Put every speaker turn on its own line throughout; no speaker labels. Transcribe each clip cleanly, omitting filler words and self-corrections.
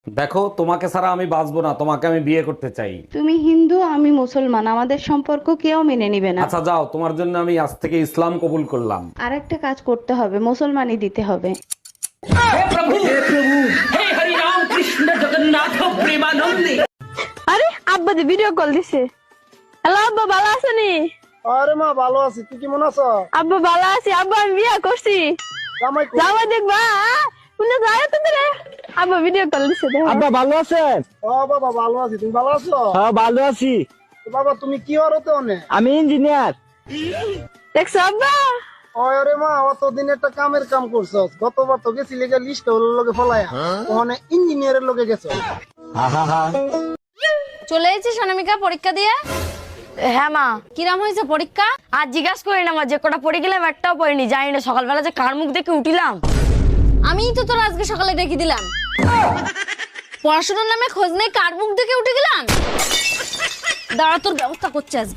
দেখো, তোমাকে ছাড়া আমি বাঁচবো না, তোমাকে আমি বিয়ে করতে চাই।
তুমি হিন্দু, আমি মুসলমান, আমাদের সম্পর্ক কেউ মেনে নিবে না।
আচ্ছা যাও, তোমার জন্য আমি আজ থেকে ইসলাম কবুল করলাম।
আর একটা কাজ করতে হবে, মুসলমানই দিতে হবে।
আরে আব্বা যে ভিডিও কল দিছে। হ্যালো আব্বা, ভালো আছেনি?
আরে মা ভালো আছি, তুই কেমন আছো?
আব্বা ভালো আছি, আব্বা আমি বিয়ে করছি।
জামাই কই?
যাওয়া দেখবা শুনে যায় তো রে। আব্বা ভিডিও কল দিছে দেখো।
আব্বা ভালো আছেন?
ও বাবা ভালো আছি, তুমি ভালো আছো?
হ্যাঁ ভালো আছি।
তো বাবা তুমি কি হরতে অনে?
আমি ইঞ্জিনিয়ার।
দেখছো আব্বা?
আরে মা অতদিন একটা কামের কাম করছস, গতবার তো গেছিলি গা লিস্ট হল লগে ফলায়া, ওখানে ইঞ্জিনিয়ারের লগে গেছো।
চলে এসেছিস অনামিকা পরীক্ষা দিয়ে?
হ্যাঁ মা।
কিরাম হয়েছে পরীক্ষা?
আর জিজ্ঞাসা করি না মা, যে কটা পড়ে গেলাম একটাও পড়িনি, জানি না সকালবেলা যে কার মুখ দেখে উঠিলাম।
আমিই তো তোর আজকে সকালে ডেকে দিলাম। পড়াশোনার নামে খোঁজ নেই, কার মুখ থেকে উঠে গেলাম। দাঁড়া, তোর ব্যবস্থা করছে আজকে।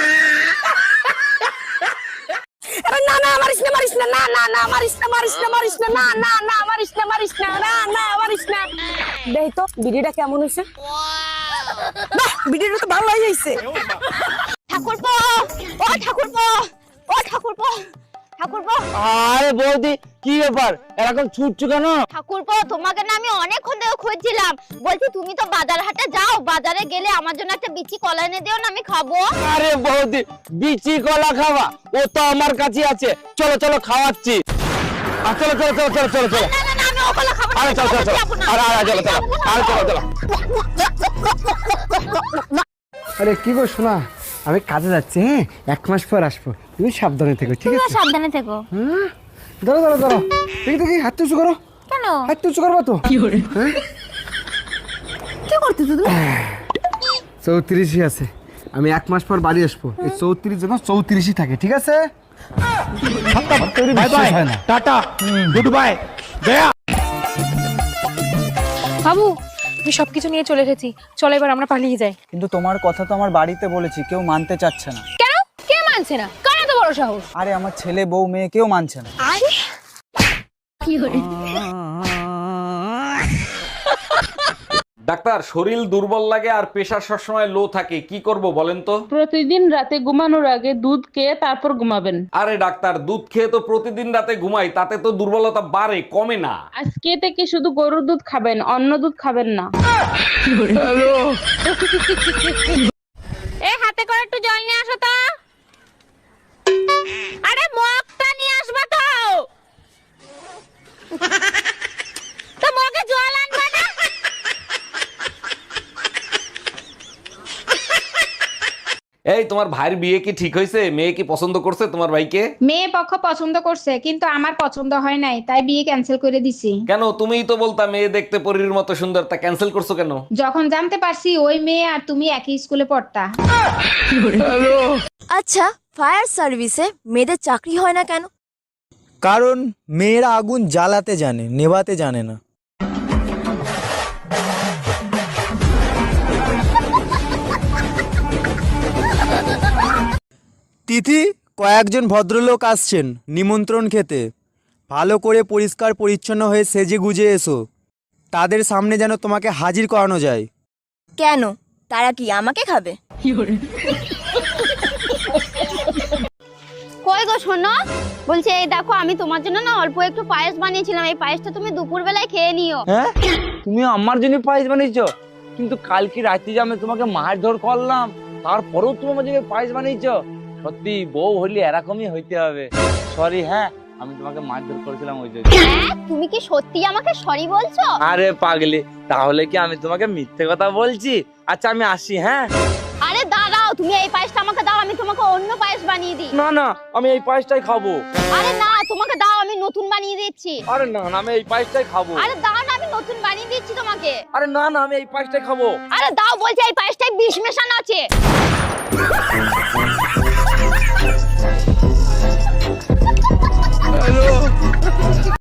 না না মারিস না, মারিস না, না না না মারিস না, মারিস না, মারিস না, না না না মারিস না, মারিস না, না না মারিস না। দেখ তো ভিডিওটা কেমন হয়েছে। বাহ, ভিডিওটা তো ভালো হয়েছে।
ঠাকুরপো, ও ঠাকুরপো, ও ঠাকুরপো, ঠাকুরপো,
আরে বৌদি কি ব্যাপার, এরকম ছুটছো কেন?
ঠাকুরপো, তোমাকে না আমি অনেকক্ষণ ধরে খুঁজছিলাম। বলছি তুমি তো বাজার হাটে যাও, বাজারে গেলে আমার জন্য একটা বিচি কলা এনে দিও না, আমি খাবো।
আরে বৌদি বিচি কলা খাওয়া, ও তো আমার কাছে আছে। চলো চলো খাওয়াচ্ছি। চলো চলো চলো চলো চলো চলো।
না না না, আমি ও কলা খাবো না।
আরে চলো চলো চলো। আরে আরে চলো চলো। আরে চলো চলো।
আরে কি গো শোনা, আমি কাজে যাচ্ছি, হ্যাঁ 1 মাস পর আসবো, তুমি সাবধানে থেকো, ঠিক আছে?
সাবধানে থেকো।
হ্যাঁ ধরো ধরো ধরো, দেখি দেখি হাত উঁচু করো।
কেন?
হাত উঁচু করবো তো।
কি করতেছো তুমি?
34ই আছে, আমি 1 মাস পর বাড়ি আসবো, এই 34 যেন 34ই থাকে, ঠিক আছে?
Bye bye, tata, good bye, গয়া।
বাবু, আমি সবকিছু নিয়ে চলে এসেছি, চলো এবার আমরা পালিয়ে যাই।
কিন্তু তোমার কথা তো আমার বাড়িতে বলেছি, কেউ মানতে চাচ্ছে না।
কেন? কে মানছে না? কার এত বড় সাহস?
আরে আমার ছেলে বউ মেয়ে কেউ মানছে না।
ডাক্তার, শরীর দুর্বল লাগে আর প্রেশার সবসময় লো থাকে, কি করব বলেন তো?
প্রতিদিন রাতে ঘুমানোর আগে দুধ খেয়ে তারপর ঘুমাবেন।
আরে ডাক্তার, দুধ খেয়ে তো প্রতিদিন রাতে ঘুমাই, তাতে তো দুর্বলতা বাড়ে, কমে না।
আজকে থেকে শুধু গরুর দুধ খাবেন, অন্য দুধ খাবেন না।
এই হাতে করে একটু জল নিয়ে আসো তো। আরে মগটা নিয়ে আসবা তো। তো মগে জল আনবা না?
এই, তোমার ভাইয়ের বিয়ে কি ঠিক হয়েছে? মেয়ে কি পছন্দ করছে তোমার ভাইকে?
মেয়ে পক্ষ পছন্দ করছে, কিন্তু আমার পছন্দ হয় নাই, তাই বিয়ে ক্যান্সেল করে দিছি।
কেন? তুমিই তো বলতা মেয়ে দেখতে পরীর মতো সুন্দর, তা ক্যান্সেল করছো কেন?
যখন জানতে পারছি ওই মেয়ে আর তুমি একই স্কুলে পড়তা।
আচ্ছা, ফায়ার সার্ভিসে মেয়েদের চাকরি হয় না কেন?
কারণ মেয়েরা আগুন জ্বালাতে জানে, নেভাতে জানে না। তিথি, কয়েকজন ভদ্রলোক আসছেন নিমন্ত্রণ খেতে। ভালো করে পরিষ্কার পরিচ্ছন্ন হয়ে সেজে গুজে এসো, তাদের সামনে যেন তোমাকে হাজির করানো যায়।
কেন? তারা কি আমাকে খাবে?
কই গো শোনো, বলছি এই দেখো, আমি তোমার জন্য না অল্প একটু পায়েস বানিয়েছিলাম, এই পায়েসটা তুমি দুপুর বেলায় খেয়ে নিও।
হ্যাঁ তুমি আমার জন্য পায়েস বানিয়েছো? কিন্তু কালকে রাতে যে আমি তোমাকে মারধর করলাম, তারপরেও তুমি আমার জন্য পায়েস বানিয়েছো? সত্যি বউ হলে এরকমই হইতে হবে। সরি, হ্যাঁ আমি তোমাকে মারধর করেছিলাম ওই জন্য।
হ্যাঁ, তুমি কি সত্যি আমাকে সরি বলছো?
আরে পাগলি, তাহলে কি আমি তোমাকে মিথ্যে কথা বলছি? আচ্ছা আমি আসি, হ্যাঁ?
আরে দাঁড়াও, তুমি এই পায়েসটা আমাকে দাও, আমি তোমাকে অন্য পায়েস বানিয়ে দিই।
না না, আমি এই পায়েসটাই খাবো।
আরে না, তোমাকে দাও, আমি নতুন বানিয়ে দিচ্ছি।
আরে না না, আমি এই পায়েসটাই খাবো।
আরে দাও না, আমি নতুন বানিয়ে দিচ্ছি তোমাকে।
আরে না না, আমি এই পায়েসটাই খাবো।
আরে দাও বলছি, এই পায়েসটায় বিষ মেশানো আছে।